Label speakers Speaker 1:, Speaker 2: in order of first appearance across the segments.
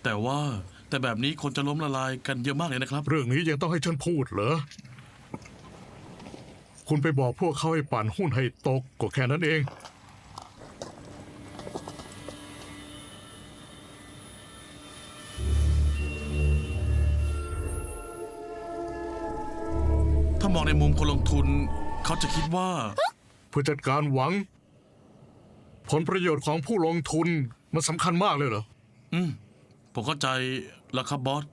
Speaker 1: แต่แบบนี้คนจะล้มละลายกันเยอะมากเลยนะครับ
Speaker 2: เรื่องนี้ยังต้องให้ฉันพูดเหรอ คุณไปบอกพวกเขาให้ปั่นหุ้นให้ตกก็แค่นั้นเอง
Speaker 1: ถ้ามองในมุมคนลงทุนเขาจะคิดว่า
Speaker 2: ผู้จัดการหวัง ผลประโยชน์ของผู้ลงทุนมันสำคัญมากเลยเหรอ
Speaker 1: ผมเข้าใจแล้วครับบอส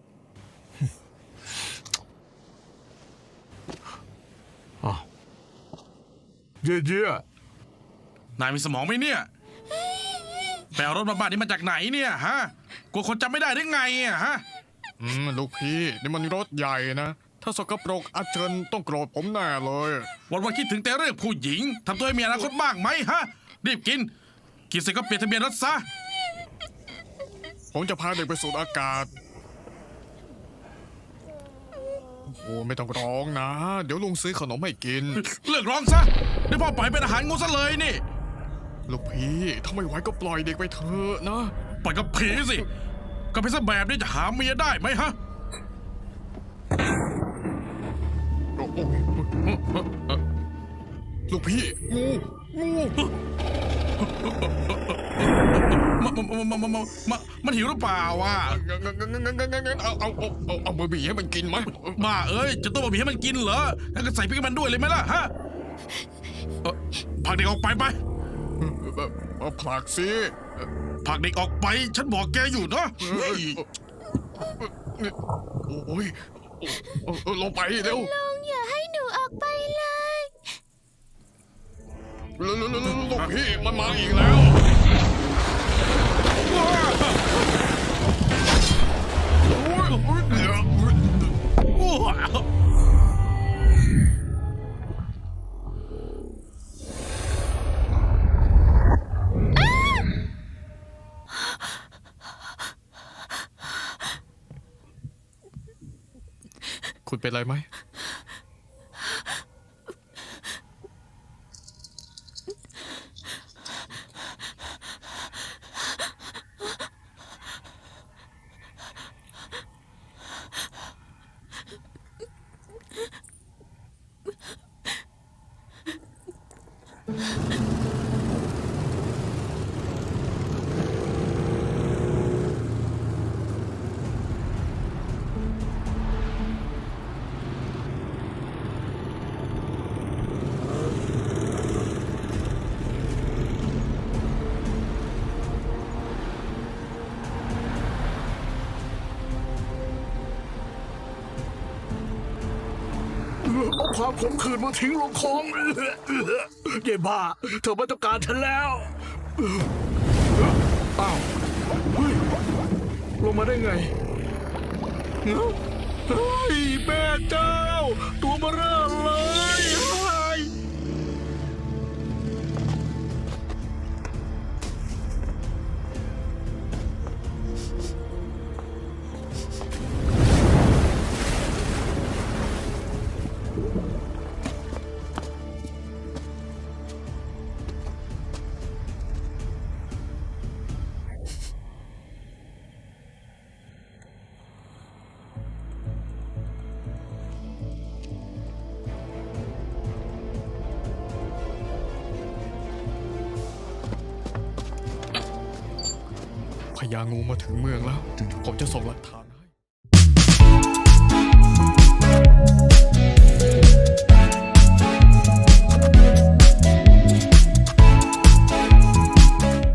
Speaker 2: เย่
Speaker 1: นายมีสมองไหมเนี่ยไปเอารถมาบ้านนี้มาจากไหนเนี่ยฮะกลัวคนจำไม่ได้หรือไงอะฮะ
Speaker 3: ลูกพี่นี่มันรถใหญ่นะ ถ้าสกปรกอาเจินต้องโกรธผมแน่เลย
Speaker 1: วันคิดถึงแต่เรื่องผู้หญิงทำตัวให้มีอนาคตบ้างไหมฮะรีบกินเสร็จก็เปลี่ยนทะเบียนรถซะ
Speaker 3: ผมจะพาเด็กไปสูดอากาศ โอ้ไม่ต้องร้องนะ เดี๋ยวลุงซื้อขนมให้กิน
Speaker 1: เลิกร้องซะเดี๋ยวพ่อปล่อยเป็นอาหารงูซะเลยนี่
Speaker 3: ลูกพี่ถ้าไม่ไหวก็ปล่อยเด็กไปเถอะนะ
Speaker 1: ปล่อยกับผีสิก็เป็นซะแบบนี้จะหาเมียได้ไหมฮะ
Speaker 3: ลูกพี่งู
Speaker 1: มันหิวหรือเปล่าวะ
Speaker 3: งั้นเอาบะหมี่ให้มันกินไหม
Speaker 1: บ้าเอ้ยจะต้มบะหมี่ให้มันกินเหรองั้นก็ใส่พริกให้มันด้วยเลยไหมล่ะฮะผลักเด็กออกไปไป
Speaker 3: ผลักสิ
Speaker 1: ผลักเด็กออกไปฉันบอกแกอยู่นะ
Speaker 3: โอ้ยลงไปเร็ว
Speaker 4: ลุงอย่าให้หนูออกไปเลย
Speaker 3: ลูกพี่มันมาอีกแล้ว คุณเป็นไรไหม
Speaker 2: เอาความขมขื่นมาทิ้งลงคลองเย่บ้า เธอไม่ต้องการฉันแล้ว อ้าวเฮ้ยลงมาได้ไงเฮ้ยแม่เจ้า ตัวเบ้อเร่อเลย
Speaker 3: พญางูมาถึงเมืองแล้ว ผมจะส่งหลักฐาน